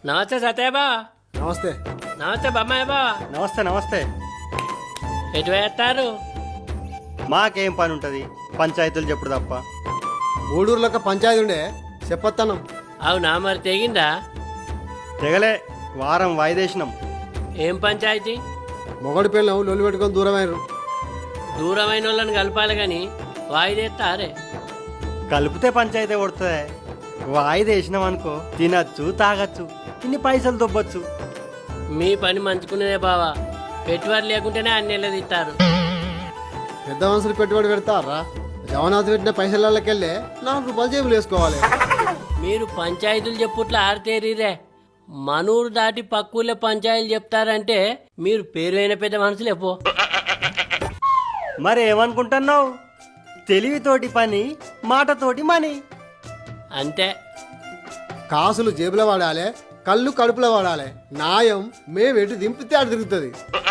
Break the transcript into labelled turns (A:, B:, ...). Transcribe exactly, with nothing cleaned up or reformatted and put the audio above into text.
A: నమస్తే సత్య బా.
B: నమస్తే.
A: నమస్తే బమ్మాయి బా.
C: నమస్తే నమస్తే.
A: ఎటు వేస్తారు?
C: మాకేం పని ఉంటుంది పంచాయతీలు చెప్పుడు తప్ప.
B: ఊడూరులోకి పంచాయతీ ఉండే చెప్పొత్తాను.
A: అవునా, మరి తెగిందా?
C: తెగలే, వారం వాయిదేసినాం.
A: ఏం పంచాయతీ?
B: మొగడు పిల్లలు లొల్లి పెట్టుకొని దూరమైనరు.
A: దూరమైన వాళ్ళని కలపాలి కానీ వాయిదేస్తారే.
C: కలిపితే పంచాయతీ కొడుతుంది. వాయిదేసినాం అనుకో తినచ్చు తాగచ్చు, ఇన్ని పైసలు దొబ్బచ్చు.
A: మీ పని మంచుకునేదే బావా. పెట్టుబడి లేకుంటేనే అన్ని నెలలు ఇస్తారు.
B: పెద్ద మనుషులు పెట్టుబడి పెడతారా? జగన్నాథ్ పెట్టిన పైసలకెళ్ళి నాలుగు రూపాయలు జేబులు వేసుకోవాలి.
A: మీరు పంచాయతీలు చెప్పుట్లా ఆరితేరీరే. మనూరు దాటి పక్కూళ్ళే పంచాయతీలు చెప్తారంటే మీరు పేరువైన పెద్ద మనుషులే పో.
C: మరి ఏమనుకుంటున్నావు? తెలివితోటి పని, మాటతోటి మని.
A: అంతే.
B: కాసులు జేబులో వాడాలి, కళ్ళు కడుపులో వాడాలి. న్యాయం మేము ఎటు దింపితే అటు తిరుగుతుంది.